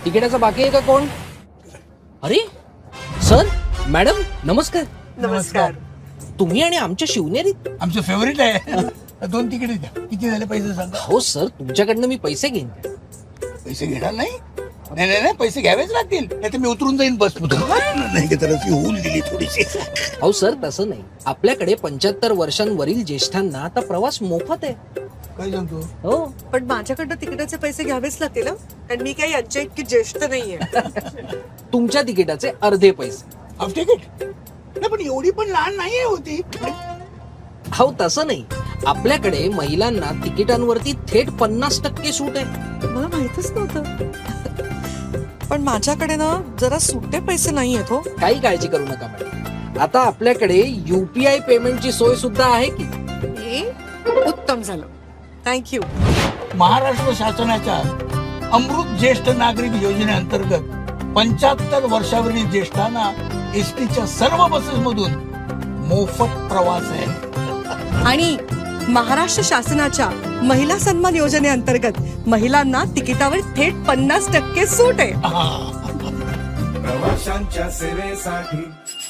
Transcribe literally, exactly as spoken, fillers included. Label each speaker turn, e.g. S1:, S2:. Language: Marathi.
S1: तिकिटाचा बाकी आहे का कोण? अरे सर मॅडम नमस्कार.
S2: नमस्कार.
S1: तुम्ही आणि आमच्या शिवनेरीत?
S3: आमचं फेवरेट आहे. दोन तिकीट द्या. किती झाले पैसे सांगा.
S1: हो सर तुमच्याकडनं मी पैसे घेईन.
S3: पैसे घेणार नाही? नाही नाही नाही पैसे घ्यावेच लागतील, नाही तर मी उतरून जाईन बस नाही तर अशी होऊन दिली थोडीशी.
S1: हो सर तसं नाही, आपल्याकडे पंच्याहत्तर वर्षांवरील ज्येष्ठांना आता प्रवास मोफत आहे.
S3: काय सांगतो?
S1: हो
S2: पण माझ्याकडनं तिकिटाचे पैसे घ्यावेच लागतील, कारण मी काही यांच्या इतकी ज्येष्ठ नाहीये.
S1: तुमच्या तिकिटाचे अर्धे पैसे.
S3: हाफ तिकीट? नाही पण एवढी पण लहान नाहीये होती.
S1: हो तसं नाही, आपल्याकडे महिलांना तिकिटांवरती थेट पन्नास टक्के सूट आहे.
S2: मला माहितच नव्हतं. पण माझ्याकडे ना जरा सुट्टे पैसे नाही आहेत हो.
S1: काही काळजी करू नका मॅडम, आता आपल्याकडे युपीआय पेमेंटची सोय सुद्धा आहे की.
S2: हे उत्तम झालं, थँक्यू.
S3: महाराष्ट्र शासनाच्या अमृत ज्येष्ठ नागरिक योजनेअंतर्गत पंच्याहत्तर वर्षावरील ज्येष्ठांना एसटीच्या सर्व बसेस मधून मोफत प्रवास आहे.
S2: आणि महाराष्ट्र शासनाच्या महिला सन्मान योजनेअंतर्गत महिलांना तिकिटावर थेट पन्नास टक्के सूट आहे.
S3: हा.
S4: प्रवाशांच्या सेवेसाठी